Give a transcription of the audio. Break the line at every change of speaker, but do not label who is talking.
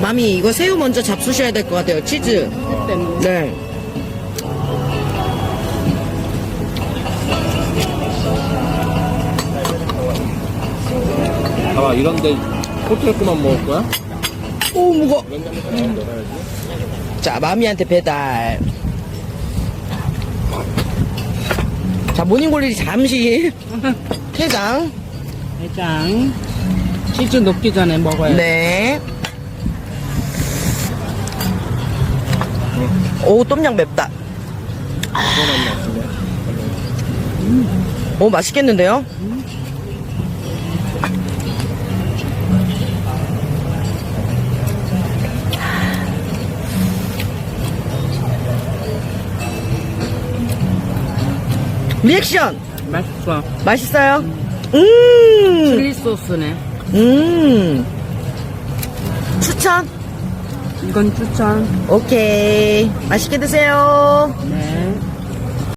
마미, 이거 새우 먼저 잡수셔야 될 것 같아요. 치즈.
때문에.
네.
봐봐, 이런데 호텔 거만 먹을 거야?
오, 무거워. 자, 마미한테 배달. 자, 모닝글리 잠시 퇴장.
해장. 치즈 녹기 전에 먹어야 돼.
네. 오, 똠양 맵다. 오, 맛있겠는데요? 리액션!
맛있어.
맛있어요?
칠리 소스네.
추천?
이건 추천.
오케이. 맛있게 드세요.
네.